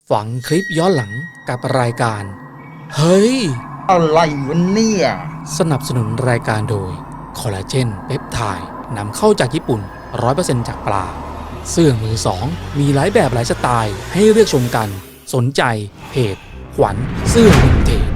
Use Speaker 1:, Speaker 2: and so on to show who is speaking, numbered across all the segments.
Speaker 1: ฝังคลิปย้อนหลังกับรายการเฮ้ย
Speaker 2: อะไรวะเนี่ย
Speaker 1: สนับสนุนรายการโดยคอลลาเจนเปปไทด์นำเข้าจากญี่ปุ่น 100% จากปลาเสื้อมือสองมีหลายแบบหลายสไตล์ให้เลือกชมกันสนใจเพจขวัญเสื้อวินเทจ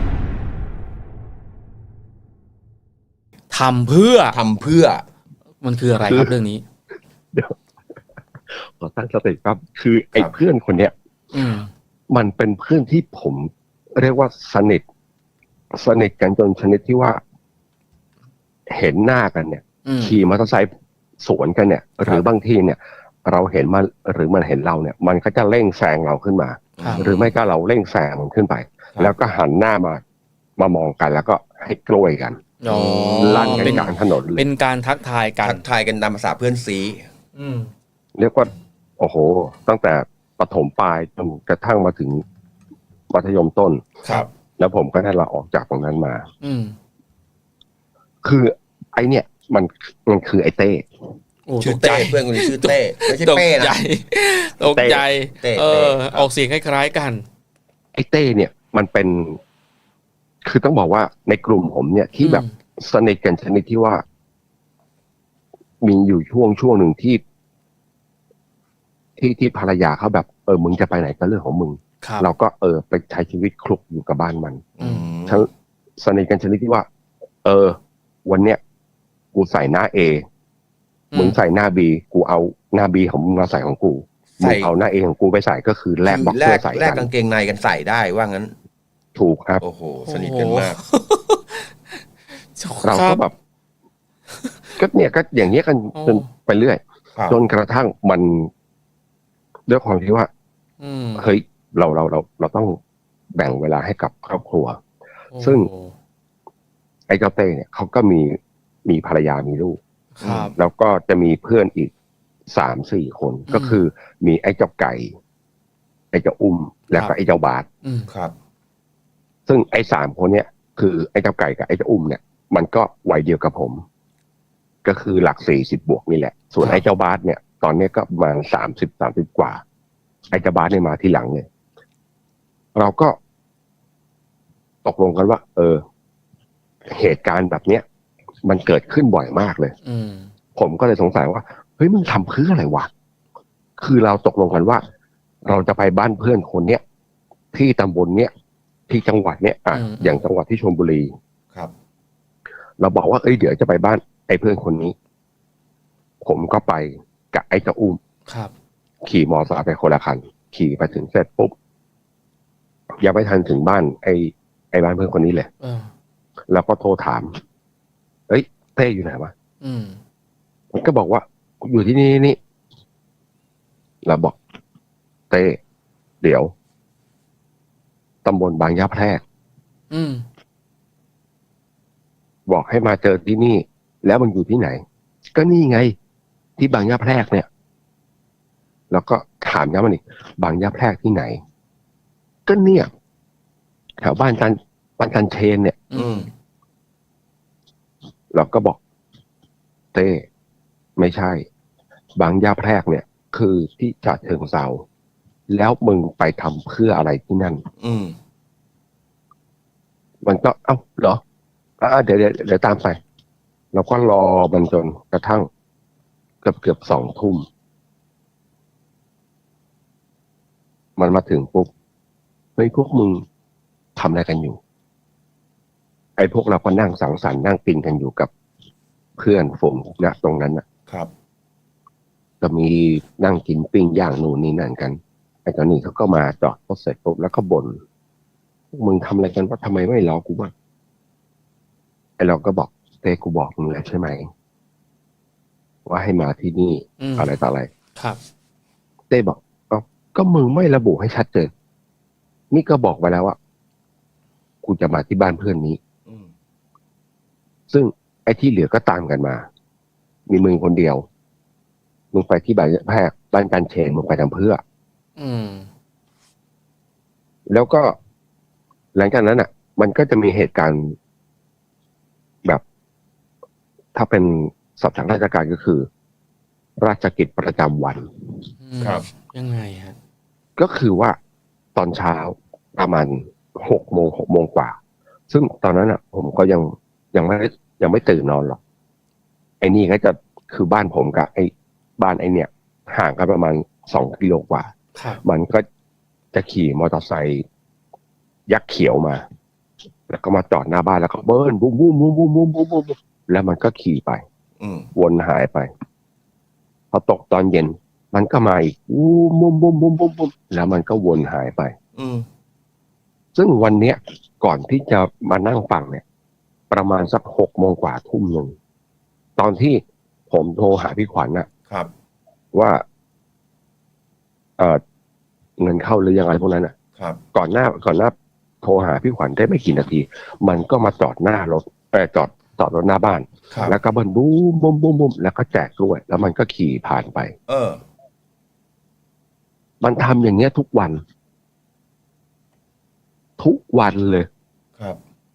Speaker 1: ทำเพื่อมันคืออะไรครับเรื่องนี้
Speaker 3: เดี๋ยวขอตั้งสติครับคือไอ้เพื่อนคนเนี้ยมันเป็นเพื่อนที่ผมเรียกว่าสนิทกันจนชนิดที่ว่าเห็นหน้ากันเนี่ยขี่มอเตอร์ไซค์สวนกันเนี่ยหรือบางทีเนี่ยเราเห็นมันหรือมันเห็นเราเนี่ยมันก็จะเร่งแซงเราขึ้นมาหรือไม่ก็เราเร่งแซงมันขึ้นไปแล้วก็หันหน้ามามองกันแล้วก็ให้กล้วยกันลั่นกันกลางถนน
Speaker 1: เป็นการทักทายกัน
Speaker 2: ตามภาษาเพื่อนซี
Speaker 3: เรียกว่าโอ้โหตั้งแต่ประถมปลายจนกระทั่งมาถึงมัธยมต้น
Speaker 2: ครับ
Speaker 3: แล้วผมก็ได้ลาออกจากตรงนั้นมาคือไอเนี่ยมันคือไอเต้
Speaker 2: ชื่อเต้เพื่อนคนนี้ชื่อเต้ไม่ใช่เป้นะ
Speaker 1: ตกใจออกเสียงคล้ายๆกัน
Speaker 3: ไอเต้เนี่ยมันเป็นคือต้องบอกว่าในกลุ่มผมเนี่ยที่แบบสนิทกันชนิดที่ว่ามีอยู่ช่วงหนึ่งที่ภรรยาเขาแบบมึงจะไปไหนก็เรื่องของมึงเราก็ไปใช้ชีวิตคลุกอยู่กับบ้านมันทั้งสนิทกันชนิดที่ว่าวันเนี้ยกูใส่หน้า A มึงใส่หน้า B กูเอาหน้า B ของมึงมาใส่ของกูมึงเอาหน้า A ของกูไปใส่ก็คือแลกบ็อกเซอร์ใส่กัน
Speaker 2: แลกกางเกงในกันใส่ได้ว่างั้น
Speaker 3: ถูกครับ
Speaker 2: โอ้โหสนิทกันมาก
Speaker 3: เราก็แบบก็เนี่ยก็อย่างเงี้ยกันจนไปเรื่อยจนกระทั่งมันด้วยความที่ว่าเฮ้ยเราต้องแบ่งเวลาให้กับครอบครัวซึ่งไอ้เจ้าเต้เนี่ยเขาก็มีภรรยามีลูกแล้วก็จะมีเพื่อนอีก3-4 คนก็คือมีไอ้เจ้าไก่ไอ้เจ้าอุ้มแล้วก็ไอ้เจ้าบาส
Speaker 2: ครับ
Speaker 3: ซึ่งไอ้3 คนเนี่ยคือไอ้เจ้าไก่กับไอ้เจ้าอุ้มเนี่ยมันก็วัยเดียวกับผมก็คือหลัก40 บวกนี่แหละส่วนไอ้เจ้าบาสเนี่ยตอนนี้ก็ประมาณ30 กว่าไอ้เจ้าบาสเนี่ยมาที่หลังเนี่ยเราก็ตกลงกันว่าเหตุการณ์แบบเนี้ยมันเกิดขึ้นบ่อยมากเลยผมก็เลยสงสัยว่าเฮ้ยมึงทำเพื่ออะไรวะคือเราตกลงกันว่าเราจะไปบ้านเพื่อนคนเนี้ยที่ตำบลเนี้ยที่จังหวัดเนี้ยอย่างจังหวัดที่ชลบุรี
Speaker 2: ครับ
Speaker 3: เราบอกว่าเดี๋ยวจะไปบ้านไอ้เพื่อนคนนี้ผมก็ไปกับไอ้เจ้าอุ้มขี่มอเตอร์ไซค์ไปคนละคันขี่ไปถึงเสร็จปุ๊บยังไม่ทันถึงบ้านไอ้บ้านเพื่อนคนนี้เลยแล้วก็โทรถามเต้อยู่ไหนวะมันก็บอกว่าอยู่ที่นี่เราบอกเต้เดี๋ยวตำบลบางยะแพรกบอกให้มาเจอที่นี่แล้วมันอยู่ที่ไหนก็นี่ไงที่บางยะแพรกเนี่ยแล้วก็ถามย้ำมันอีกบางยะแพรกที่ไหนก็เนี่ยแถวบ้านจันเชนเนี่ยเราก็บอกเต้ไม่ใช่บางยะแพรกเนี่ยคือที่ฉะเชิงเทราแล้วมึงไปทำเพื่ออะไรที่นั่นมันก็เหรอเดี๋ยวตามไปเราก็รอมันจนกระทั่งเกือบ2 ทุ่มมันมาถึงปุ๊บเฮ้ยพวกมึงทำอะไรกันอยู่ไอ้พวกเราก็นั่งสังสรรค์นั่งกินกันอยู่กับเพื่อนฝูงนะตรงนั้น
Speaker 2: นะครับ
Speaker 3: ก็มีนั่งกินปิ้งย่างนู่นนี่นั่นกันไอ้ตอนนี้เขาก็มาจอดรถเสร็จปุ๊บแล้วก็บ่นพวกมึงทำอะไรกันว่าทำไมไม่รอกูบ้างไอ้เราก็บอกเต้กูบอกมึงแล้วใช่ไหมว่าให้มาที่นี่อะไรต่ออะไร
Speaker 1: ครับ
Speaker 3: เต้บอกก็มึงไม่ระบุให้ชัดเจนนี่ก็บอกไว้แล้วว่ากูจะมาที่บ้านเพื่อนนี้ซึ่งไอ้ที่เหลือก็ตามกันมามีมึงคนเดียวมึงไปที่บ้านแพรกบ้านจันเชนมึงไปทำเพื่อแล้วก็หลังจากนั้นมันก็จะมีเหตุการณ์แบบถ้าเป็นศัพท์ทางราชการก็คือราชกิจประจำวัน
Speaker 2: ครับ
Speaker 1: ยังไงฮะ
Speaker 3: ก็คือว่าตอนเช้าประมาณ6 โมงกว่าซึ่งตอนนั้นอ่ะ ผมก็ยังไม่ตื่นนอนหรอกไอ้นี่ก็จะคือบ้านผมกับไอ้บ้านไอ้เนี่ยห่างกันประมาณ2 กิโลกว่า
Speaker 1: ครับ
Speaker 3: มันก็จะขี่มอเตอร์ไซค์ยักษ์เขียวมา แล้วก็มาจอดหน้าบ้านแล้วก็เบิ้ลบุ้มบุ้มบุ้มบุ้มบุ้มบุ้มบุ้มแล้วมันก็ขี่ไป
Speaker 2: อืม
Speaker 3: วนหายไปพอตกตอนเย็น มันก็มาอีกบุ้มบุ้มบุ้มบุ้มบุ้มบุ้มแล้วมันก็วนหายไป
Speaker 2: อืม
Speaker 3: ซึ่งวันเนี้ยก่อนที่จะมานั่งฟังเนี่ย ประมาณสัก6 โมงกว่าทุ่มหนึ่งตอนที่ผมโทรหาพี่ขวัญนะครับ ว่าเงินเข้าหรือยังไงพวกนั้นอ่ะ
Speaker 2: ครับ
Speaker 3: ก่อนหน้าโทรหาพี่ขวัญได้ไม่กี่นาที มันก็มาจอดหน้ารถจอดรถหน้าบ้าน
Speaker 2: ครับ
Speaker 3: แล้วก็เบิ้ลบูมบูมบูมบูมแล้วก็แจกกล้วย แล้วมันก็ขี่ผ่านไป
Speaker 2: เออ
Speaker 3: มันทำอย่างเงี้ยทุกวัน ทุกวันเลย
Speaker 2: ครับ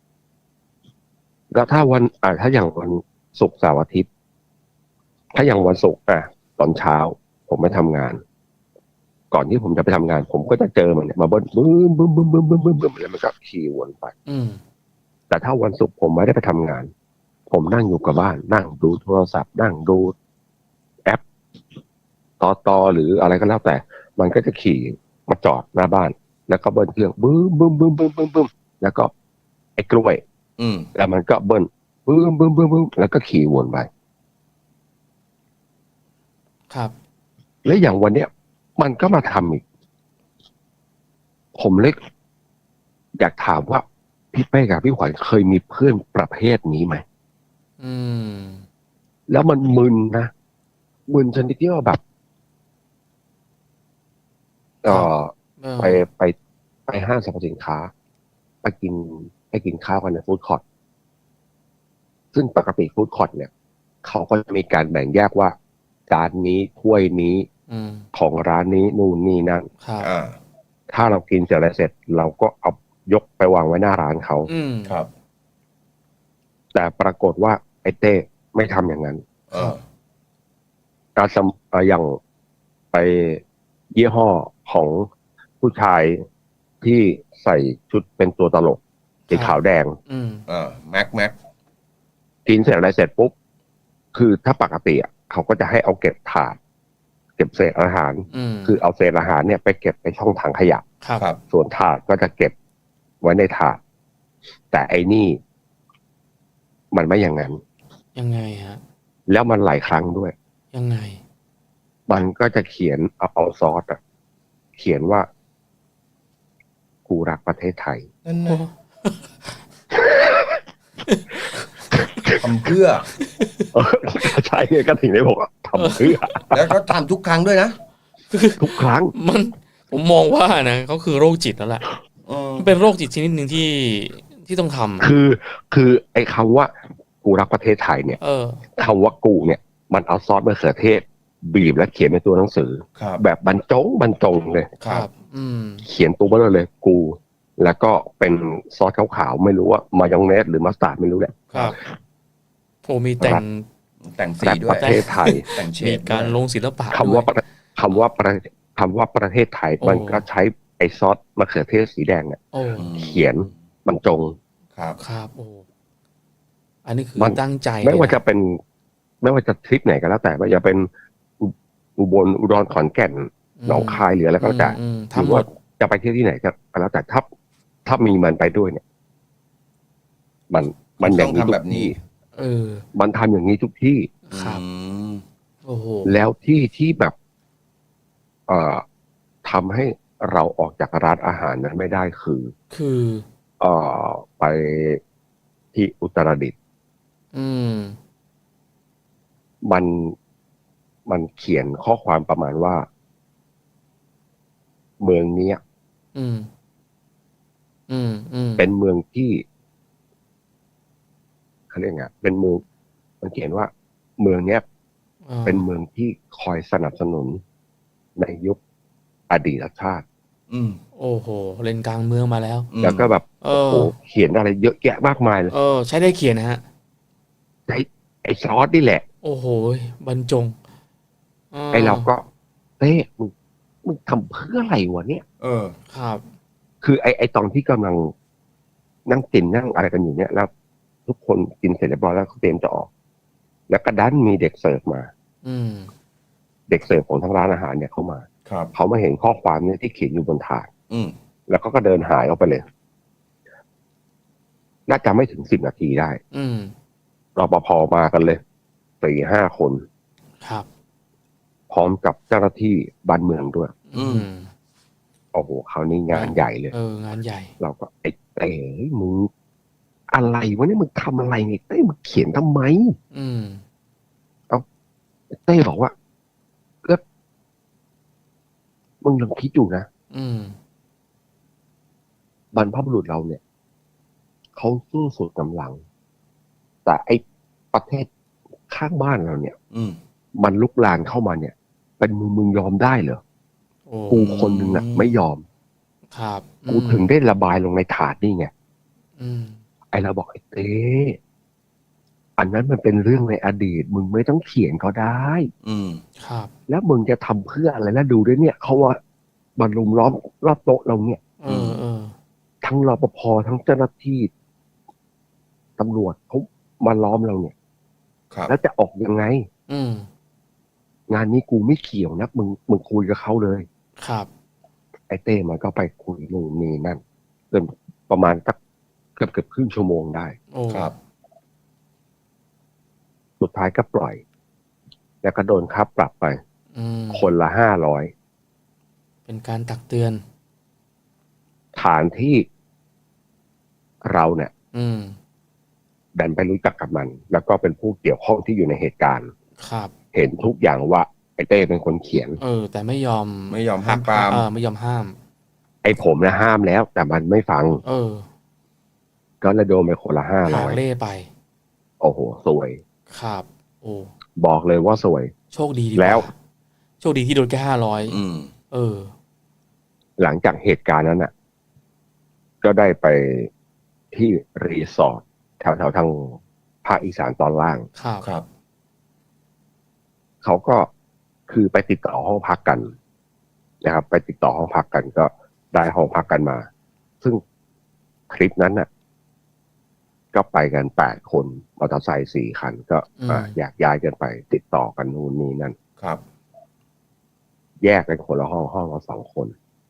Speaker 3: แล้วถ้าถ้าอย่างวันศุกร์เสาร์อาทิตย์ ถ้าอย่างวันศุกร์ตอนเช้า ผมไม่ทำงาน ก่อนที่ผมจะไปทำงาน ผมก็จะเจอมันเนี่ยมาเบิ้ลบึ้มบึ้มบึ้มบึ้มบึ้มบึ้มบึ้มแล้วมันก็ขี่วนไป
Speaker 1: อืม
Speaker 3: แต่ถ้าวันศุกร์ผมไม่ได้ไปทำงาน ผมนั่งอยู่กับบ้าน นั่งดูโทรศัพท์ นั่งดูแอปต่อหรืออะไรก็แล้วแต่ มันก็จะขี่มาจอดหน้าบ้าน แล้วก็เบิ้ลเครื่องบึ้มบึ้มบึ้มบึ้มบึ้มบึ้มแล้วก็ไอ้กล้วย
Speaker 2: อืม
Speaker 3: แล้วมันก็เบิ้ลบึ้มบึ้มบึ้มบึ้มแล้วก็ขี่วนไป
Speaker 1: ครับ
Speaker 3: แล้วอย่างวันเนี้ย มันก็มาทำอีก ผมเล็กอยากถามว่าพี่เป้กับพี่ขวัญเคยมีเพื่อนประเภทนี้ไหม
Speaker 1: อืม
Speaker 3: แล้วมันมึนนะมึนชนิดที่ว่าแบบ
Speaker 1: เออ
Speaker 3: ไปห้างสรรพสินค้าไปกินข้าวกันในฟู้ดคอร์ทซึ่งปกติฟู้ดคอร์ทเนี่ยเขาก็จะมีการแบ่งแยกว่าจานนี้ถ้วยนี้
Speaker 1: อืม
Speaker 3: ของร้านนี้นู่นนี่นั่น
Speaker 1: ครับ
Speaker 2: อ่า
Speaker 3: ถ้าเรากินเสร็จแล้วเสร็จ เราก็เอายกไปวางไว้หน้าร้านเขา
Speaker 1: อืม
Speaker 2: ครับ
Speaker 3: แต่ปรากฏว่าไอ้เต้ไม่ทำอย่างนั้น
Speaker 2: เออ
Speaker 3: อย่างไปยี่ห้อของผู้ชายที่ใส่ชุดเป็นตัวตลกสีขาวแดง
Speaker 1: อืม
Speaker 2: แม็ก
Speaker 3: กินเสร็จอะไรเสร็จปุ๊บ คือถ้าปกติเขาก็จะให้เอาเก็บถาด เก็บเศษอาหาร
Speaker 1: อืม
Speaker 3: คือเอาเศษอาหารเนี่ยไปเก็บในช่องถังขยะ
Speaker 1: ครับ
Speaker 2: ครับ
Speaker 3: ส่วนถาดก็จะเก็บไว้ในถาด แต่ไอ้นี่มันไม่อย่างนั้น
Speaker 1: ยังไงฮะ
Speaker 3: แล้วมันหลายครั้งด้วย
Speaker 1: ยังไง
Speaker 3: มันก็จะเขียนเอาซอสเขียนว่ากูรักประเทศไทย
Speaker 2: นั่น
Speaker 1: โอ้
Speaker 2: นะทำเพื่อ
Speaker 3: ใช่ไงก็ถึงได้บอกว่าทำเพื่อ
Speaker 2: แล้วก็ทำทุกครั้งด้วยนะ
Speaker 3: ทุกครั้ง
Speaker 1: ผมมองว่านะเขาคือโรคจิตแล้วแหละ
Speaker 2: เออ
Speaker 1: มันเป็นโรคจิตชนิดหนึ่งที่ต้องทำ
Speaker 3: คือไอ้คำว่ากูรักประเทศไทยเนี่ย
Speaker 1: เออ
Speaker 3: คำว่ากูเนี่ย มันเอาซอสมะเขือเทศ บีบและเขียนในตัวหนังสือ
Speaker 2: ครับ
Speaker 3: แบบบรรจงเลย
Speaker 2: ครับ
Speaker 1: อืม
Speaker 3: เขียนตัวเบลอเลยกู แล้วก็เป็นซอสขาวๆไม่รู้ว่ามายองเนสหรือมัสตาร์ดไม่รู้แหละ
Speaker 1: ครับโอ้มีแต่ง
Speaker 2: แต่งสี
Speaker 3: แต่
Speaker 2: ด้
Speaker 3: ป
Speaker 2: วย
Speaker 3: ระเทศไทย
Speaker 2: แต่งเฉ
Speaker 1: มี
Speaker 2: ด
Speaker 1: การลงศิลปะ
Speaker 3: คำว่า
Speaker 1: ด้วย
Speaker 3: คำว่าประเทศไทย
Speaker 1: โอ้
Speaker 3: มันก็ใช้ไอ้ซอสมะเขือเทศสีแดงเนี่ย
Speaker 1: โอ้
Speaker 3: เขียนบรรจง
Speaker 2: ครับ
Speaker 1: ครับโอ้อันนี้คือ
Speaker 3: มัน
Speaker 1: ตั้งใจ
Speaker 3: ไม่ว่า
Speaker 1: เลยน
Speaker 3: จะเป็น ไม่ว่าจะทริปไหนก็แล้วแต่ว่าจะเป็นอุบลอุดรขอนแก่นหนองคายหรืออะไรก็แล้วแต่ ห
Speaker 1: ทำ
Speaker 3: รือ
Speaker 1: หม
Speaker 3: ว่า
Speaker 1: ด
Speaker 3: จะไปเที่ยวที่ไหนก็แล้วแต่ถ้ามีมันไปด้วยเนี่ย มันอย่างนี้
Speaker 2: ต้องทำแบบนี้
Speaker 1: เออ
Speaker 3: มันทำอย่างนี้ทุกที่
Speaker 1: ครับ
Speaker 2: อืม
Speaker 1: โอ้โห
Speaker 3: แล้วที่แบบทำให้เราออกจากร้านอาหารนั้นไม่ได้คือ
Speaker 1: คือ
Speaker 3: ไปที่อุตรดิตถ์
Speaker 1: อืม
Speaker 3: มันเขียนข้อความประมาณว่า เมืองเนี้ย
Speaker 1: อืม
Speaker 3: เป็นเมืองที่เขาเรียกไงเป็นเมืองมันเขียนว่า เมืองเนี้ย เป็นเมืองที่คอยสนับสนุนในยุคอดีตชาติ
Speaker 2: อืม
Speaker 1: โอ้โหเล่นกลางเมืองมาแล้ว
Speaker 3: แล้วก็แบบ
Speaker 1: เอ
Speaker 3: โอ้
Speaker 1: อ
Speaker 3: โหเขียนอะไรเยอะแยะมากมายเลย
Speaker 1: เออ ใช้ได้เขียนนะฮะ
Speaker 3: ไอ้ซอสนี่แหละ
Speaker 1: โอ้โหบรรจง
Speaker 3: ไอ้เราก็เต้มึงมึงทำเพื่ออะไรวะเนี่ย
Speaker 1: ครับ
Speaker 3: คือไอตอนที่กำลังนั่งกินนั่งอะไรกันอยู่เนี่ย แล้วทุกคนกินเสร็จเรียบร้อยแล้วเขาเตรียมจะออก แล้วก็ดันมีเด็กเสิร์ฟมา
Speaker 1: อืม
Speaker 3: เด็กเสิร์ฟของทางร้านอาหารเนี่ยเข้ามา
Speaker 2: ครับ
Speaker 3: เขามาเห็นข้อความเนี่ยที่เขียนอยู่บนถาด
Speaker 2: อืม
Speaker 3: แล้วก็เดินหายออกไปเลย น่าจะไม่ถึง10 นาทีได้
Speaker 1: อืม
Speaker 3: รปภมากันเลย4-5 คน
Speaker 1: ครับ
Speaker 3: พร้อมกับเจ้าหน้าที่บ้านเมืองด้วย
Speaker 2: อืม
Speaker 3: โอ้โหคราวนี้งานใหญ่เลย
Speaker 1: งานใหญ่
Speaker 3: เราก็ไอ้เต้มึงอะไรวะเนี่ยมึงทำอะไรเนี่ยเต้มึงเขียนทำไม
Speaker 1: อืม
Speaker 3: เต้บอกว่าก็มึงลองคิดดูนะ
Speaker 1: อืม
Speaker 3: บรรพบุรุษเราเนี่ยเขาสู้สุดกำลัง แต่ไอ้ประเทศข้างบ้านเราเนี่ย
Speaker 2: อืม
Speaker 3: มันลุกลามเข้ามาเนี่ย เป็นมึงยอมได้เหรอ
Speaker 1: โอ้
Speaker 3: กูคนหนึ่งน่ะ ไม่ยอม
Speaker 1: ครับ
Speaker 3: กูถึงได้ระบายลงในถาดนี่ไง
Speaker 1: อืม
Speaker 3: ไอ้เราบอกไอ้เต้อันนั้นมันเป็นเรื่องในอดีต มึงไม่ต้องเขียนก็ได้
Speaker 2: อืม
Speaker 1: ครับ
Speaker 3: แล้วมึงจะทำเพื่ออะไรแล้วดูด้วยเนี่ยเขาว่ามันลุมล้อมรอบโต๊ะเราเนี่ย
Speaker 1: เออ
Speaker 3: ทั้งรปภทั้งเจ้าหน้าที่ตำรวจเขามาล้อมเราเนี่ย
Speaker 2: ครับ
Speaker 3: แล้วจะออกยังไง
Speaker 1: อืม
Speaker 3: งานนี้กูไม่เกี่ยวนะมึงคุยกับเขาเลย
Speaker 1: ครับ
Speaker 3: ไอ้เต้มันก็ไปคุยนู่นนี่นั่นจนประมาณสักเกือบครึ่งชั่วโมงได้
Speaker 1: โอ้
Speaker 2: ครับ
Speaker 3: สุดท้ายก็ปล่อย แล้วก็โดนค่าปรับไป
Speaker 1: อืม
Speaker 3: คนละ500
Speaker 1: เป็นการตักเตือน
Speaker 3: ฐานที่เราเนี่ย
Speaker 1: อืม
Speaker 3: ดันไปรู้จักกับมัน แล้วก็เป็นผู้เกี่ยวข้องที่อยู่ในเหตุการณ์
Speaker 1: ครับ
Speaker 3: เห็นทุกอย่างว่าไอ้เต้เป็นคนเขียน
Speaker 1: แต่ไม่ยอม
Speaker 2: ไม่ยอมห้ามปราม
Speaker 1: ไม่ยอมห้าม
Speaker 3: ไอ้ผมนะห้ามแล้ว แต่มันไม่ฟัง ก็เลยโดนไปคนละ
Speaker 1: หาง
Speaker 3: 500
Speaker 1: เล่ไป
Speaker 3: โอ้โหสวย
Speaker 1: ครับ โอ้
Speaker 3: บอกเลยว่าสวย
Speaker 1: โชคดีดีกา
Speaker 3: แล้ว
Speaker 1: โชคดีที่โดนแค่500
Speaker 2: อืม
Speaker 3: หลังจากเหตุการณ์นั้นน่ะ ก็ได้ไปที่รีสอร์ทแถวๆทางภาคอีสานตอนล่าง
Speaker 1: ครับ
Speaker 2: ครับ
Speaker 3: เขาก็คือไปติดต่อห้องพักกันนะครับ ไปติดต่อห้องพักกันก็ได้ห้องพักกันมา ซึ่งคลิปนั้นน่ะ ก็ไปกัน8 คนมอเตอร์ไซค์4 คัน ก็แยกย้ายกันไป ติดต่อกันนู่นนี่นั่น
Speaker 2: ครับ
Speaker 3: แยกกันคนละห้องละ2 คน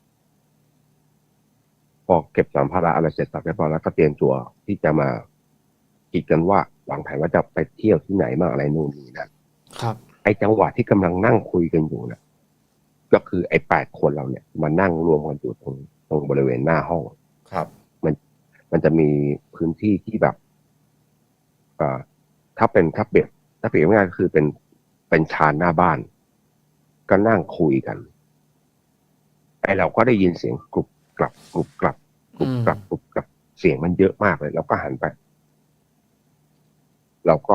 Speaker 3: พอเก็บสัมภาระอะไรเสร็จสับเรียบร้อยแล้วก็เตรียมตัวที่จะมาคิดกันว่าวางแผนว่าจะไปเที่ยวที่ไหนบ้างอะไรนู่นนี่นั่น
Speaker 1: ครับ
Speaker 3: ไอ้จังหวะที่กำลังนั่งคุยกันอยู่นะก็คือไอ้8 คนเราเนี่ยมานั่งรวมกันอยู่ตรงบริเวณหน้าห้อง
Speaker 2: ครับ
Speaker 3: มันจะมีพื้นที่ที่แบบถ้าเปรียบง่ายๆก็คือเป็นชานหน้าบ้าน ก็นั่งคุยกันไอ้เราก็ได้ยินเสียงกรุบกรับกรุบกรับกรุบกรับกรุบกรับเสียงมันเยอะมากเลยเราก็หันไป เราก็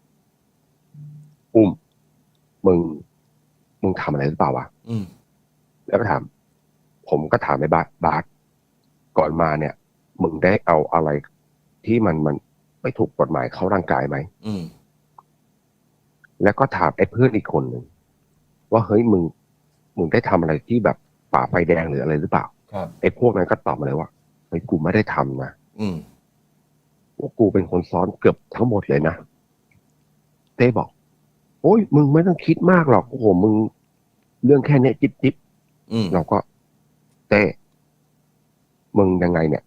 Speaker 3: มึงทำอะไรหรือเปล่าวะ
Speaker 2: อืม
Speaker 3: แล้วก็ถาม ผมก็ถามไอ้บาสก่อนมาเนี่ย มึงได้เอาอะไรที่มันไม่ถูกกฎหมายเข้าร่างกายไหม
Speaker 2: อืม
Speaker 3: แล้วก็ถามไอ้เพื่อนอีกคนหนึ่งว่าเฮ้ยมึงได้ทำอะไรที่แบบฝ่าไฟแดงหรืออะไรหรือเปล่า
Speaker 2: ครับ
Speaker 3: ไอ้พวกนั้นก็ตอบมาเลยว่าเฮ้ยกูไม่ได้ทำนะ
Speaker 2: อืม
Speaker 3: ว่ากูเป็นคนซ้อนเกือบทั้งหมดเลยนะเต้บอก โอ้ยมึงไม่ต้องคิดมากหรอกโอ้โหมึงเรื่องแค่เนี้ยจิ๊บ
Speaker 2: อืม
Speaker 3: เราก็เต้มึงยังไงเนี่ย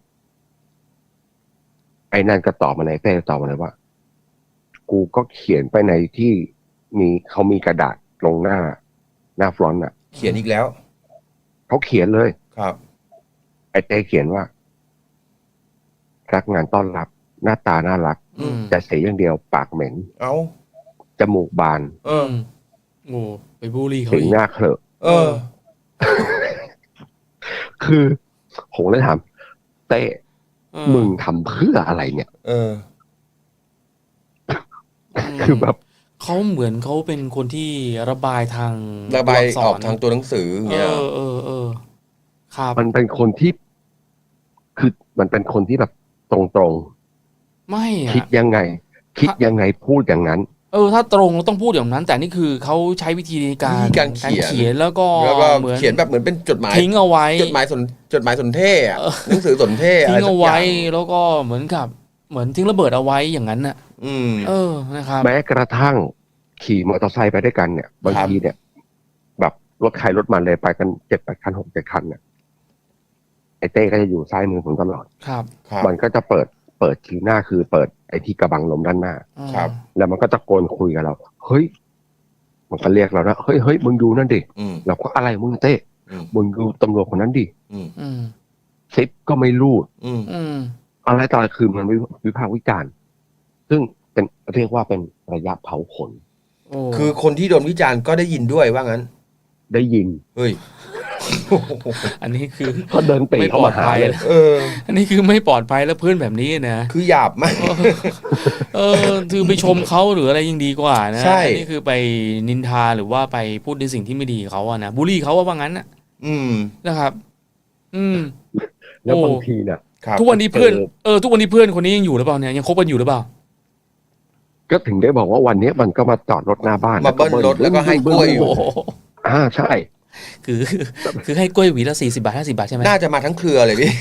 Speaker 3: ไอ้นั่นก็ตอบมาเลยเต้ตอบมาเลยว่า กูก็เขียนไปในที่เขามีกระดาษลงหน้าฟลอนต์อ่ะ
Speaker 2: เขียนอีกแล้ว
Speaker 3: เขาเขียนเลย
Speaker 2: ครับ
Speaker 3: ไอ้เต้เขียนว่ารักงานต้อนรับ หน้าตาน่ารัก
Speaker 2: อืม
Speaker 3: แต่เสียอย่างเดียวปากเหม็น
Speaker 2: เอา
Speaker 3: จมูกบาน
Speaker 2: เออ
Speaker 1: โอ้ไปบูลลี่เขา
Speaker 3: สี
Speaker 1: อีก
Speaker 3: หน้าเคลอะ
Speaker 2: เออ
Speaker 3: คือผมเลยถามเต้
Speaker 1: เออ
Speaker 3: มึงทำเพื่ออะไรเนี่ย
Speaker 2: เออ
Speaker 3: คือแบบ
Speaker 1: เขาเหมือนเขาเป็นคนที่ระบายทาง
Speaker 2: ระบาย
Speaker 1: ตัว
Speaker 2: อ
Speaker 1: อั
Speaker 2: อกทางตัวหนังสืออย่างเงี้ย
Speaker 1: เออครับ
Speaker 3: มันเป็นคนที่ คือมันเป็นคนที่แบบตรง
Speaker 1: ไม่
Speaker 3: ๆ
Speaker 1: อะ
Speaker 3: คิดยังไง พูดอย่างนั้น
Speaker 1: ถ้าตรงเราต้องพูดอย่างนั้น แต่นี่คือเขาใช้วิธีในการ
Speaker 2: การเขียน
Speaker 1: แล้วก็เหมือน
Speaker 2: เขียนแบบเหมือนเป็นจดหมาย
Speaker 1: ทิ้งเอาไว้
Speaker 2: จดหมายสนเทศอะหนังสือสนเทศ
Speaker 1: ทิ้งเอาไว้
Speaker 2: ะรสักย่
Speaker 1: แล้วก็เหมือนกับเหมือนทิ้งระเบิดเอาไว้อย่างนั้นน่ะ
Speaker 2: อืม
Speaker 1: นะครับ
Speaker 3: แม้กระทั่งขี่มอเตอร์ไซค์ไปด้วยกันเนี่ยบางทีเนี่ย แบบรถใครรถมันเลยไปกัน7-8 คัน6-7 คันเนี่ยไอ้เต้ก็จะอยู่ซ้ายมือผมตลอด
Speaker 1: ครับ
Speaker 2: ครับ
Speaker 3: มันก็จะเปิดคิวหน้าคือเปิดไอ้ที่กระบังลมด้านหน้า
Speaker 2: ครับ
Speaker 3: แล้วมันก็ตะโกนคุยกับเราเฮ้ยมันก็เรียกเรานะเฮ้ยมึงดูนั่นดิ
Speaker 2: อืม
Speaker 3: เราก็อะไรมึงเต้
Speaker 2: อืม
Speaker 3: มึงดูตำรวจคนนั้นดิ
Speaker 2: อืม
Speaker 1: อืม
Speaker 3: ซิปก็ไม่รูด
Speaker 2: อืม
Speaker 1: อืม
Speaker 3: อะไรต่ออะไรคือมันวิพากษ์วิจารณ์ซึ่งเป็นเรียกว่าเป็นระยะเผาขน
Speaker 1: โอ้
Speaker 2: คือคนที่โดนวิจารณ์ก็ได้ยินด้วยว่างั้น
Speaker 3: ได้ยิน
Speaker 2: เฮ้ย
Speaker 1: อันนี้คือ
Speaker 3: ก็เดินปรีเข้ามาหาเลย
Speaker 2: เออ
Speaker 1: อันนี้คือไม่ปลอดภัยแล้วเพื่อนแบบนี้นะ
Speaker 2: คือหยาบมาก
Speaker 1: คือไปชมเขาหรืออะไรยังดีกว่านะ
Speaker 2: ใช่
Speaker 1: อันนี้คือไปนินทาหรือว่าไปพูดในสิ่งที่ไม่ดีเขาอะนะบูลลี่เขาว่างั้นนะ
Speaker 2: อืม
Speaker 1: นะครับ อืม
Speaker 3: แล้ว
Speaker 1: โอ้
Speaker 3: บางทีเนี่ย
Speaker 2: ครับ
Speaker 1: ทุกวันนี้เพื่อนทุกวันนี้เพื่อนคนนี้ยังอยู่หรือเปล่าเนี่ยยังคบกันอยู่หรือเปล่า
Speaker 3: ก็ถึงได้บอกว่าวันนี้มันก็มาจอดรถหน้าบ้าน
Speaker 2: มาเบิ้ลรถแล้วก็ให้กล้วยอยู่
Speaker 1: โอ้โห
Speaker 3: ใช่
Speaker 1: คือให้กล้วยหวีละ40 บาท50 บาทใช่ไหม
Speaker 2: น่าจะมาทั้งเครือเลยพี่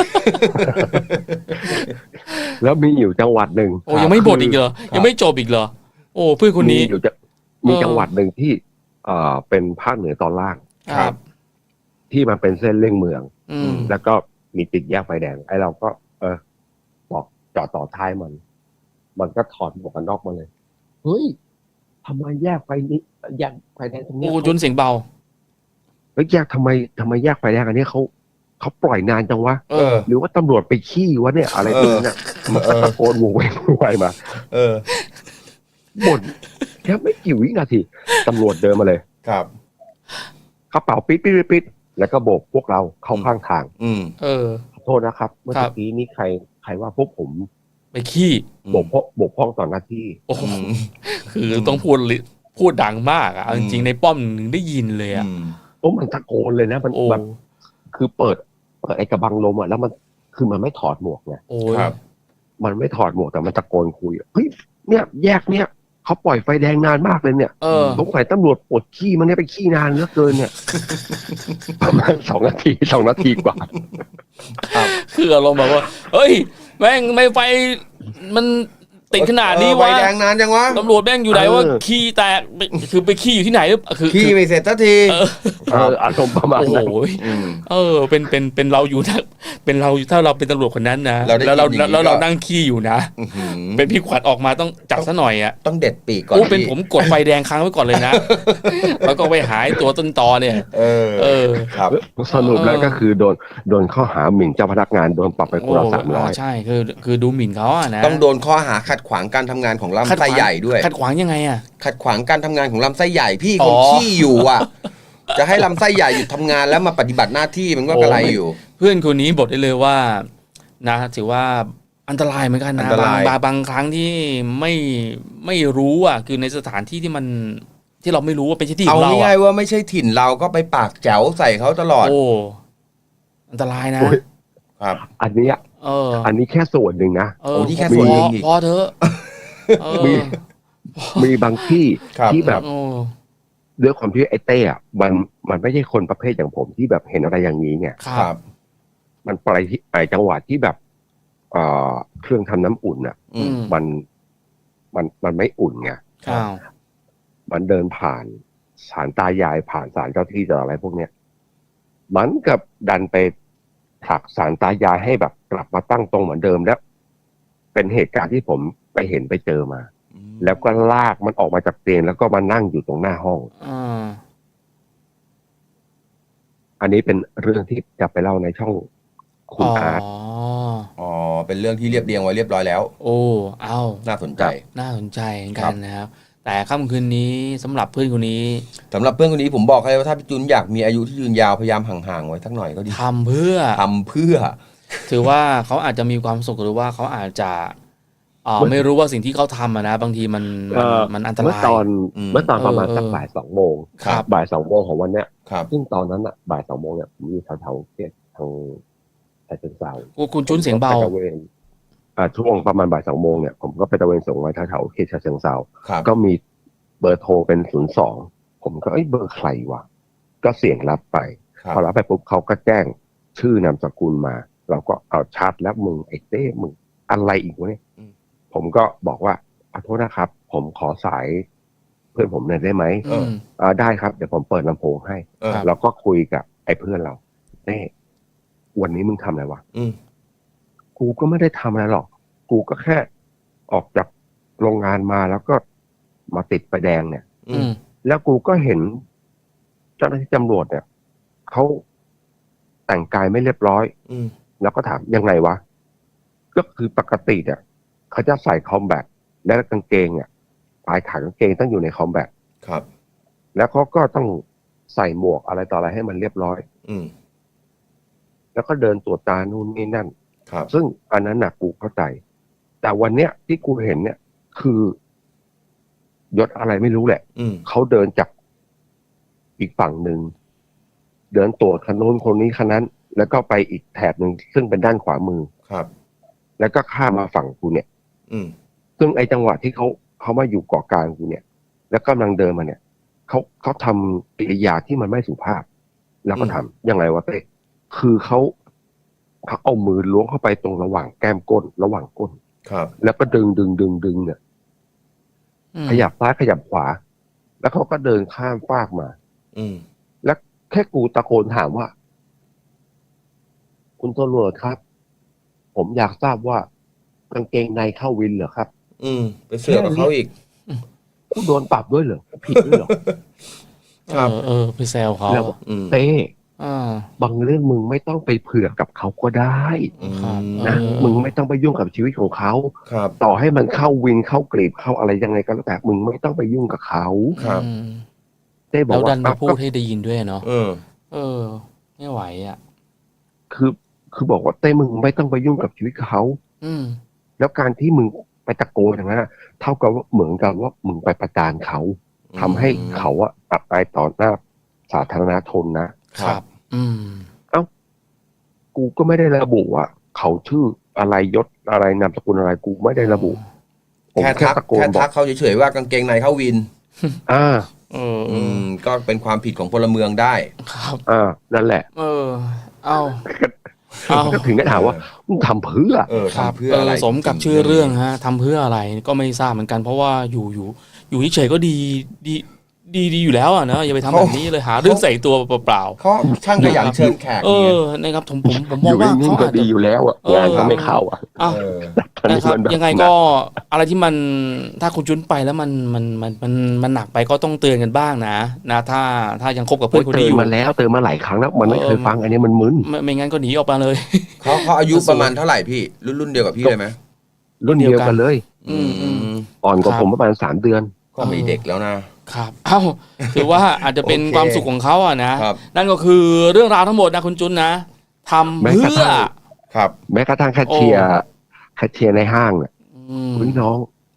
Speaker 3: แล้วมีอยู่จังหวัดหนึ่ง
Speaker 1: โอ้ยังไม่หมดอีกเหรอยังไม่จบอีกเหรอโอ้เพื่อนคนนี้
Speaker 3: มีอยู่จะมีจังหวัดหนึ่งที่เป็นภาคเหนือตอนล่าง
Speaker 1: ครับ
Speaker 3: ที่มันเป็นเส้นเลี่ยงเมือง
Speaker 1: อืม
Speaker 3: แล้วก็มีติดแยกไฟแดงไอ้เราก็ บอกจอดต่อท้ายมันก็ถอดหมวกกันน็อกมาเลยเฮ้ยทำไมแยกไฟนี้แยกไฟแดงตรงนี้
Speaker 1: โอ้จนเสียงเบา
Speaker 3: เฮ้ยแยกทำไมแยกไฟแดงอันนี้เขาปล่อยนานจังวะ
Speaker 1: เออ
Speaker 3: หรือว่าตำรวจไปขี้วะเนี่ยอะไรพวกนี้เนี่ยมันก็ตะโกนโวยวายมา
Speaker 2: เออ
Speaker 3: บ่นแค่ไม่กี่วินาทีตำรวจเดินมาเลย
Speaker 2: ครับ
Speaker 3: กระเป๋าปิดแล้วก็โบกพวกเราเข้าข้างทาง
Speaker 2: อืม
Speaker 1: เออ
Speaker 3: ขอโทษนะครับ เมื่อ
Speaker 1: ครับ
Speaker 3: กี้นี้ใครว่าพวกผม
Speaker 1: ไปขี้
Speaker 3: บกพร่องต่อหน้าที่
Speaker 1: โอ้โห
Speaker 2: อืม
Speaker 1: คือต้องพูดดังมากอ่ะเอาจริงๆในป้อมหนึ่งได้ยินเลยอ่ะ
Speaker 2: อืม
Speaker 3: โอ้มันตะโกนเลยนะมัน
Speaker 1: โอ้
Speaker 3: แบบคือเปิดไอ้กระบังลมอ่ะแล้วมันคือมันไม่ถอดหมวกไง
Speaker 1: โอ้ย
Speaker 2: ครับ
Speaker 3: มันไม่ถอดหมวกแต่มันตะโกนคุยเฮ้ยเนี่ยแยกเนี่ยเขาปล่อยไฟแดงนานมากเลยเนี่ย
Speaker 1: เออ
Speaker 3: สงสัยตำรวจปวดขี้มันเนี่ยไปขี้นานเหลือเกินเนี่ย ประมาณ2 นาทีกว่า
Speaker 1: คืออารมณ์แบบว่า เฮ้ย แม่งไม่ไฟมันติดขนาดนี้
Speaker 2: ใบ
Speaker 1: วะ
Speaker 2: แดงนานจังวะ
Speaker 1: ตำรวจแม่งอยู่ไหนว่าขี้แตกคือไปขี้อยู่ที่ไหนหรือคือ
Speaker 2: ขี้ไม่เสร็จสักที
Speaker 3: อารมณ์ประมาณ
Speaker 1: โอ้โห
Speaker 3: นั้น
Speaker 2: อืม
Speaker 1: เป็นเราอยู่นะเป็นเราถ้าเราเป็นตำรวจคนนั้นนะ
Speaker 2: เราได้
Speaker 1: แล้วเรา
Speaker 2: ยินอย่างนี้
Speaker 1: แล้วเรา
Speaker 2: ก็
Speaker 1: นั่งขี้อยู่นะ
Speaker 2: อื้อหือ
Speaker 1: เป็นพี่ขวัญออกมาต้องจับซะหน่อยอ่ะ
Speaker 2: ต้องเด็ดปีกก่อน
Speaker 1: โอ้เป็น
Speaker 2: พี่
Speaker 1: ผมกดไฟแดงค้างไว้ก่อนเลยนะ แล้วก็ไปหายตัวต้นตอเนี่ย
Speaker 2: เออ
Speaker 1: เออ
Speaker 2: ครับ
Speaker 3: สรุปแล้วก็คือโดนข้อหาหมิ่นเจ้าพนักงานโดนปรับไปคนละ
Speaker 1: ใช่คือดูหมิ่นเขาอะนะ
Speaker 2: ต้องโดนข้อหาขัดขวางการทำงานของลำไส้ใหญ่ด้วย
Speaker 1: ขัดขวางยังไงอ่ะ
Speaker 2: ขัดขวางการทำงานของลำไส้ใหญ่พี่
Speaker 1: อ๋
Speaker 2: ค
Speaker 1: อ
Speaker 2: นขี้อยู่อ่ะ จะให้ลำไส้ใหญ่หยุดทำงานแล้วมาปฏิบัติหน้าที่มันก็กระไรอยู่
Speaker 1: เพื่อนคนนี้บอกได้เลยว่านะถือว่าอันตรายเหมือนกันนะ
Speaker 2: อันตราย
Speaker 1: บางครั้งที่ไม่รู้อ่ะคือในสถานที่ที่มันที่เราไม่รู้ว่าเป็นที่ข
Speaker 2: เอา
Speaker 1: องเรา
Speaker 2: ง่า
Speaker 1: อ่ะ
Speaker 2: ยๆว่าไม่ใช่ถิ่นเราก็ไปปากแจ๋วใส่เขาตลอด
Speaker 1: โอ้อันตรายนะ
Speaker 3: โอ้ย
Speaker 2: ครับ
Speaker 3: อันเนี้ย
Speaker 1: เออ
Speaker 3: อันนี้แค่ส่วนหนึ่งนะ
Speaker 1: เออ
Speaker 2: โอ้ที่แค่ส่วนหนึ่งอีก
Speaker 1: พอเถอะเออ
Speaker 3: มีบางที่
Speaker 2: ครับ
Speaker 3: ที่แบบ
Speaker 1: โอ้
Speaker 3: ด้วยความที่ไอ้เต้อะมันไม่ใช่คนประเภทอย่างผมที่แบบเห็นอะไรอย่างนี้เนี่ย
Speaker 1: ครับ
Speaker 3: มันไปที่ไอ้จังหวัดที่แบบเครื่องทำน้ำอุ่นอ่ะ
Speaker 2: อืม
Speaker 3: มันไม่อุ่นไง
Speaker 1: อ้าว
Speaker 3: มันเดินผ่านศาลตายายผ่านศาลเจ้าที่ต่ออะไรพวกเนี้ยมันกับดันไปผลักศาลตายายให้แบบกลับมาตั้งตรงเหมือนเดิมแล้ว เป็นเหตุการณ์ที่ผมไปเห็นไปเจอมา แล้วก็ลากมันออกมาจากเตียงแล้วก็มานั่งอยู่ตรงหน้าห้อง
Speaker 1: อ่า
Speaker 3: อันนี้เป็นเรื่องที่จะไปเล่าในช่องคุณอาร์ต
Speaker 2: อ๋อ เป็นเรื่องที่เรียบเรียงไว้เรียบร้อยแล้ว
Speaker 1: โอ้เอา
Speaker 2: น่าสนใจ
Speaker 1: น่าสนใจเหมือน
Speaker 2: ค
Speaker 1: กั
Speaker 2: รั
Speaker 1: น
Speaker 2: บ
Speaker 1: นะครับ แต่ค่ำคืนนี้สำหรับเพื่อนคนนี้
Speaker 2: สำหรับเพื่อนคนนี้ผมบอกเลยว่าถ้าพี่จุนอยากมีอายุที่ยืนยาวพยายามห่างๆไว้สักหน่อยก็ดี
Speaker 1: ทำเพื่อ
Speaker 2: ทำเพื่อ
Speaker 1: ถือว่าเขาอาจจะมีความสุขหรือว่าเขาอาจจะไม่รู้ว่าสิ่งที่เขาทำอะนะบางทีมันอันต
Speaker 3: เมื่อ
Speaker 1: ราย
Speaker 3: ตอน
Speaker 2: อืม
Speaker 3: เมื่อตอนประมาณสัก
Speaker 1: เออ
Speaker 3: บ่าย2 โมง
Speaker 1: ครับ
Speaker 3: บ่าย2 โมงของวันเนี้ย
Speaker 2: ครับ
Speaker 3: ซึ่งตอนนั้นอ่ะบ่าย2 โมงเนี่ยผมอยู่แถวๆเขตทางฉะเชิงเทรา
Speaker 1: คุณจุนเสียงเบา
Speaker 3: ผมก็ไปตระเวนช่วงประมาณบ่าย2 โมงเนี่ยผมก็ไปตระเวนส่งไว้แถวๆเขตฉะเชิงเทรา
Speaker 2: ครับ
Speaker 3: ก็เบอร์โทรเป็น02ผมก็เบอร์ใครวะก็เสียงรับไป
Speaker 2: ครับ
Speaker 3: พอรับไปปุ๊บเขาก็แจ้งชื่อนามสกุลมา เราก็เอาชัดแล้วมึงไอ้เต้มึงอะไรอีกวะเนี่ยผมก็บอกว่าขอโทษนะครับ ผมขอสายเพื่อนผมหน่อยได้ไหม ได้ครับเดี๋ยวผมเปิดลำโพงให้ เราก็คุยกับไอ้เพื่อนเราเต้วันนี้มึงทำอะไรวะกูก็ไม่ได้ทำอะไรหรอกกูก็แค่ออกจากโรงงานมาแล้วก็มาติดไฟแดงเนี่ยแล้วกูก็เห็นเจ้าหน้าที่ตำรวจเนี่ยเขาแต่งกายไม่เรียบร้อยแล้วก็ถามยังไงวะก็คือปกติเนี่ยเขาจะใส่คอมแบทและกางเกงอ่ะปลายขากางเกงต้องอยู่ในคอมแบท
Speaker 2: ครับ
Speaker 3: แล้วเขาก็ต้องใส่หมวกอะไรต่ออะไรให้มันเรียบร้อยแล้วก็เดินตรวจตานู่นนี่นั่น
Speaker 2: ครับ
Speaker 3: ซึ่งอันนั้นน่ะกูเข้าใจ แต่วันเนี้ยที่กูเห็นเนี่ยคือยศอะไรไม่รู้แหละเขาเดินจากอีกฝั่งหนึ่งเดินตรวจคันนู้นคนนี้คันนั้น แล้วก็ไปอีกแถบหนึ่งซึ่งเป็นด้านขวามือ
Speaker 2: ครับ
Speaker 3: แล้วก็ข้ามมาฝั่งกูเนี่ยซึ่งไอ้จังหวะที่เขามาอยู่เกาะกลางกูเนี่ย แล้วกำลังเดินมาเนี่ยเขาทำกิริยาที่มันไม่สุภาพ แล้วก็ถามยังไงวะเต้คือเขาเอามือล้วงเข้าไปตรงระหว่างแก้มก้นระหว่างก้น
Speaker 2: ครับ
Speaker 3: แล้วก็ดึงเนี่ยขยับซ้ายขยับขวา แล้วเขาก็เดินข้ามฟากมาแล้วแค่กูตะโกนถามว่าคุณตำรวจครับผมอยากทราบว่ากางเกงในเข้าวินเหรอครับ
Speaker 2: ไปเสือกกับเขาอีก
Speaker 3: กูโดนปรับด้วยเหรอผิดด้วยเหรอ
Speaker 1: ครับไปแซวเขา
Speaker 3: เต้บางเรื่องมึงไม่ต้องไปเผือกกับเขาก็ได้นะมึงไม่ต้องไปยุ่งกับชีวิตของเขาต่อให้มันเข้าวินเข้ากรีบเข้าอะไรยังไงก็แล้วแต่มึงไม่ต้องไปยุ่งกับเขา
Speaker 1: เต้บอกว่าแล้วดันมาพูดให้ได้ยินด้วยเนาะไม่ไหวอ่ะ
Speaker 3: คือบอกว่าเต้มึงไม่ต้องไปยุ่งกับชีวิตเขาแล้วการที่มึงไปตะโกนอย่างนั้นเท่ากับว่าเหมือนกับว่ามึงไปประจานเขาทำให้เขาอับอายต่อหน้าสาธารณชนนะครับเอ้ากูก็ไม่ได้ระบุว่าเขาชื่ออะไรยศอะไรนามสกุลอะไรกูไม่ได้ระบุ
Speaker 2: แค่ทักเขาเฉยๆว่ากางเกงในเข้าวินก็เป็นความผิดของพลเมืองได้
Speaker 1: ครับ
Speaker 3: นั่นแหละก็ถึงได้ถามว่ามึงทำเพื่อ
Speaker 2: ทำเพื่ออะไร
Speaker 1: สมกับชื่อเรื่องฮะทำเพื่ออะไรก็ไม่ทราบเหมือนกันเพราะว่าอยู่เฉยๆก็ดีอยู่แล้วอ่ะนะอย่าไปทำแบบนี้เลยหาเรื่องใส่ตัวเปล่า
Speaker 2: ๆเขาช่างขยันเชิญแขก
Speaker 1: นะครับผมมองว่า
Speaker 3: เขาอาจจะดีอยู่แล้วอ่ะงานเขาไม่เข้า
Speaker 1: นะครับยังไงก็อะไรที่มันถ้าคุณจุ้นไปแล้วมันหนักไปก็ต้องเตือนกันบ้างนะถ้ายังคบกับเพื่อนคนนี้อยู่
Speaker 3: มาแล้วเตือนมาหลายครั้งแล้วมันไม่เคยฟังอันนี้มันมึน
Speaker 1: ไม่งั้นก็หนีออกมาเลย
Speaker 2: เขาอายุประมาณเท่าไหร่พี่รุ่นเดียวกับพี่เลยไหม
Speaker 3: รุ่นเดียวกันเลยอ่อนกว่าผมประมาณ3 เดือน
Speaker 2: ก็ไม่เด็กแล้วนะครับ
Speaker 1: ถือว่าอาจจะเป็นความสุขของเขาอ่ะนะนั่นก็คือเรื่องราวทั้งหมดนะคุณจุนนะทำเพื่อ
Speaker 2: ครับ
Speaker 3: แม้กระทั่งแคชเชียร์ในห้างเนี่ยพี่น้อง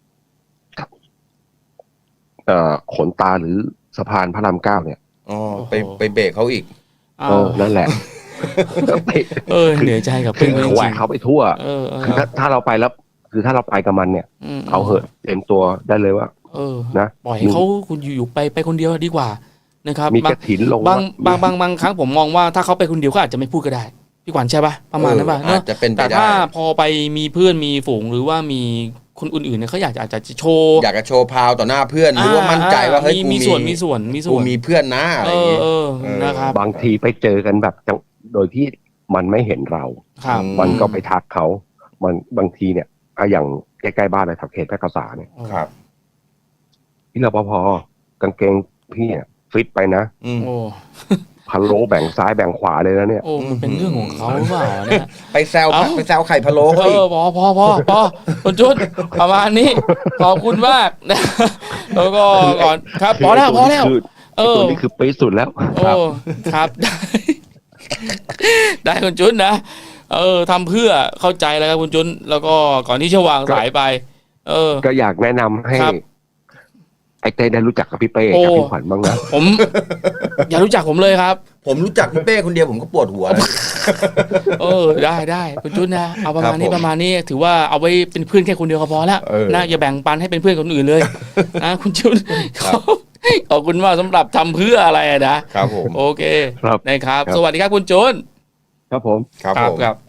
Speaker 3: ขนตาหรือสะพานพระราม9เนี่ย
Speaker 2: ไปเบรกเขาอีก
Speaker 3: นั่นแหละ
Speaker 1: เหนื่อยใจกับเพื่อนจริง
Speaker 3: ๆเขาไปทั่วคือถ้าเราไปแล้วคือถ้าเราไปกับมันเนี่ยเอาเหอะเต็มตัวได้เลยว่า
Speaker 1: นะปล่อยให้เขาคุณอยู่ไปคนเดียวดีกว่านะครับ
Speaker 3: มีกระถินลง
Speaker 1: บางครั้งผมมองว่าถ้าเขาไปคนเดียวเขาอาจจะไม่พูดก็ได้พี่ขวัญใช่ป่ะประมาณนั้นป่ะเนาะแต่ถ้าพอไปมีเพื่อนมีฝูงหรือว่ามีคนอื่นๆเนี่ยเขาอยากจะโชว์
Speaker 2: อยากจะโชว์พาวต่อหน้าเพื่อนหรือว่ามั่นใจว่าเฮ้ย
Speaker 1: มีส่วน
Speaker 2: กูมีเพื่อนนะอะไรอย่างเงี้ย
Speaker 1: นะครับ
Speaker 3: บางทีไปเจอกันแบบโดยที่มันไม่เห็นเรามันก็ไปทักเขามันบางทีเนี่ยอย่างใกล้ๆบ้านในแถวเขตแพร่กษาเนี่ยพี่รปภกางเกงพี่เนี่ยฟิตไปนะพะโล้แบ่งซ้ายแบ่งขวาเลยนะเนี่ย
Speaker 1: มันเป็นเรื่องของเขาหรือเปล่าเนี่ย
Speaker 2: ไปแซวไข่พะโล้
Speaker 1: พอคุณจุดประมาณนี้ขอบคุณมากนะแล้วก็ก่อนครับพอแล้ว
Speaker 3: ตัวนี้คือปีสุดแล้ว
Speaker 1: ครับได้คุณจุดนะทำเพื่อเข้าใจแล้วครับคุณจุนแล้วก็ก่อนที่จะวางสายไป
Speaker 3: ก็อยากแนะนำให้ไอ้เต้ได้รู้จักกับพี่เป้
Speaker 1: โอ้
Speaker 3: กับพี่ขวัญบ้างนะ
Speaker 1: ผม อย่ารู้จักผมเลยครับ
Speaker 2: ผมรู้จักพี่เป้คนเดียวผมก็ปวดหัวแล้ว
Speaker 1: ได้คุณจุนนะเอาประมาณนี้
Speaker 2: ครับผม
Speaker 1: ประมาณนี้ถือว่าเอาไว้เป็นเพื่อนแค่คนเดียวก็พอแล้ว
Speaker 2: เออ
Speaker 1: นะอย่าแบ่งปันให้เป็นเพื่อนคนอื่นเลย นะคุณจุน
Speaker 2: ครับ
Speaker 1: ขอบคุณมากสำหรับทำเพื่ออะไรนะครับ
Speaker 2: ผม
Speaker 1: โอเค
Speaker 3: ครับ
Speaker 1: นะครับ
Speaker 3: ครับ
Speaker 1: สวัสดีครับคุณจุน
Speaker 3: ครับผม
Speaker 2: ครับผม
Speaker 1: ครับ